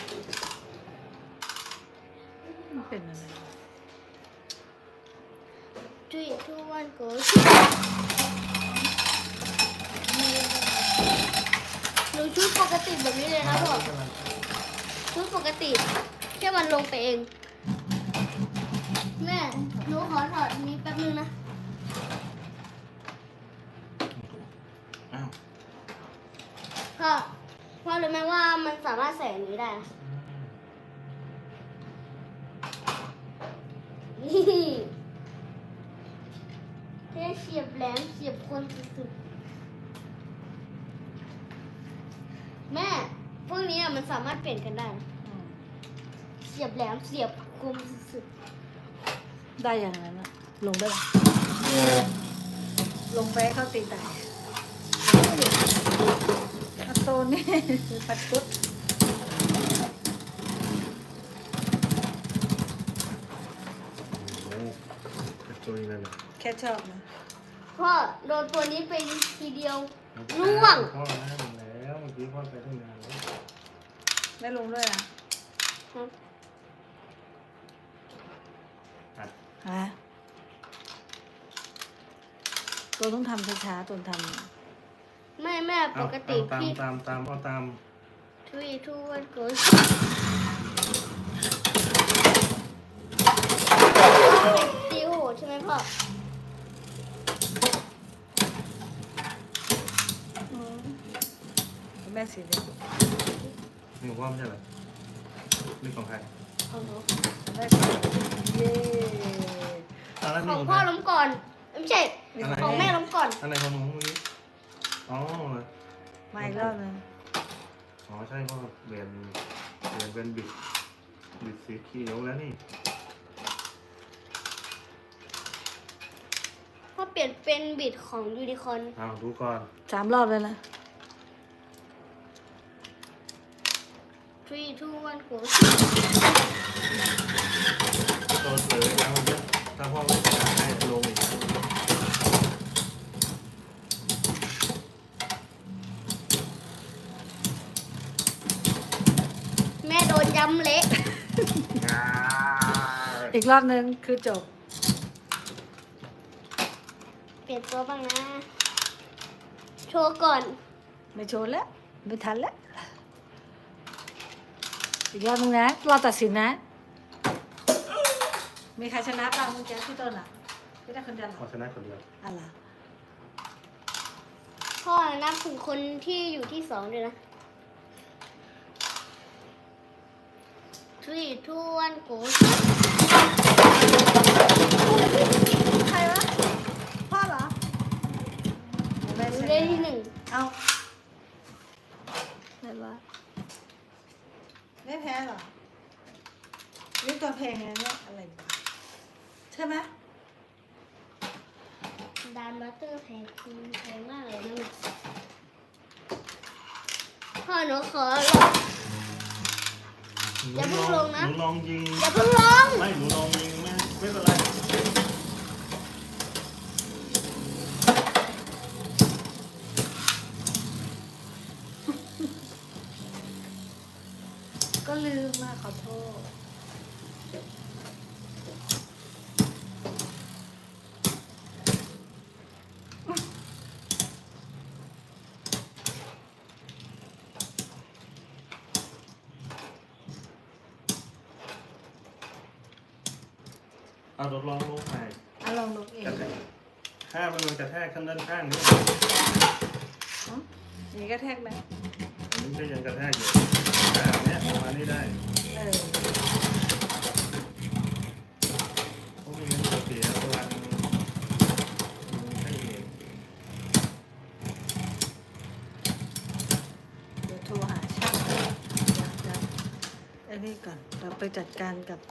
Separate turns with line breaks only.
มันเป็นอะไร
3 2 1 go หนูชุดปกติแบบนี้เลยนะพ่อชุดปกติแค่มันลงไปเองแม่หนูขอถอดนี้แป๊บนึงนะ
อ้าว
พ่อรู้ไหมว่ามันสามารถใส่อันนี้ได้นะนี่แค่เสียบแหลมเสียบคนสุดๆแม่พวกนี้มันสามารถเปลี่ยนกันได้นะเสียบแหลมเสียบคมสุด
ได้อย่างนั้นอะลงได้ไหมลงไปให้เข้าตีตายอัตโตนี่ปัดชุด
โอ้เป็นตัวนี้เลยเหรอ
แค่ชอบนะ
ๆพ่อโดนตัวนี้ไปทีเดียวร่วง
พ่อนะแล้วเมื่อกี้พ่อไปตั้งนานแล้ว
ได้ลงด้วยอ่ะ
อ่ะ
ฮะตัวต้องทำช้าๆตัวท
แม่ปกติ
เอา
พี่
ตามเอาตาม
3 2 1 go ตีโหดใช่ไหมพ่อ
ำแม่สีเหลือง
นี่ของพ่อไม่ใช่เหรอนี่ของใคร
ของหนู
แม่สีเย้
อ่ะแล้ว
ข
นี่
อง
ของ
พ่อ
ใคร
ล้มก่อนไม่ใช่
อะไร
ของแม่ล้มก่อน
อันไหนของหนูเมื่อกี้อ๋อเหรอ
มาอีกรอบนึง
อ๋อใช่พ่อเปลี่ยนเป็นบิดสีเขียวแล้วนี่
พ่อเปลี่ยนเป็นบิดของยูนิคอร์น
เอาดูก่อน
3 รอบเลยนะ
3 2 1 go
ตัวเสือแล้วมันจะถ้าพ่อไม่อยากให้ลงอีก
แม่โดนย้ำเละ
อีกรอบนึงคือจบ
เปลี่ยนตัวบ้างนะ โชว์ก่อน
ไม่โชว์แล้วไม่ทันแล้วอีกรอบนึงนะรอตัดสินนะ มีใครชนะบ้างเมื่อกี้พี่ต้นอ่ะพี่ได้คนเดียวเหร
พอ
อ
ชนะคนเดียว
อะไร
พ่อนับถึงคนที่อยู่ที่2ด้วยนะ 3 2 1 go
ใครวะพ่อเหรอแม่
หนู
ชนะ
ได้ที่1
เอาไหนวะไม่แพ้เหรอนี่ตัวเพลงไงเนี่ยอะไรวะใช่ไหม
ดานมาสเตอร์แพงมากเลยนะพ่อหนูขอลอง อย่าเพิ่งลงนะ
หนูลองยิง
อย่าเพิ่งลง
ไม่หนูลองยิงไม่เป็นไร
ก็ลืมมาขอโทษ
เอาทดลองลงไป
ลองดูเอง
กระแทกถ้ามันกระแทกข้างด้านข้างนี้
นี่ก็แทกไหม
อันนี้ก็ยังกระแทกอยู่แต่อันเนี้ยประมาณนี้ได้
เออ
เพราะไมีเงินจะเสียพลังให้เอง
เดี๋ยวโทรหาช่างเดี๋ยวอันนี้ก่อนเราไปจัดการกับ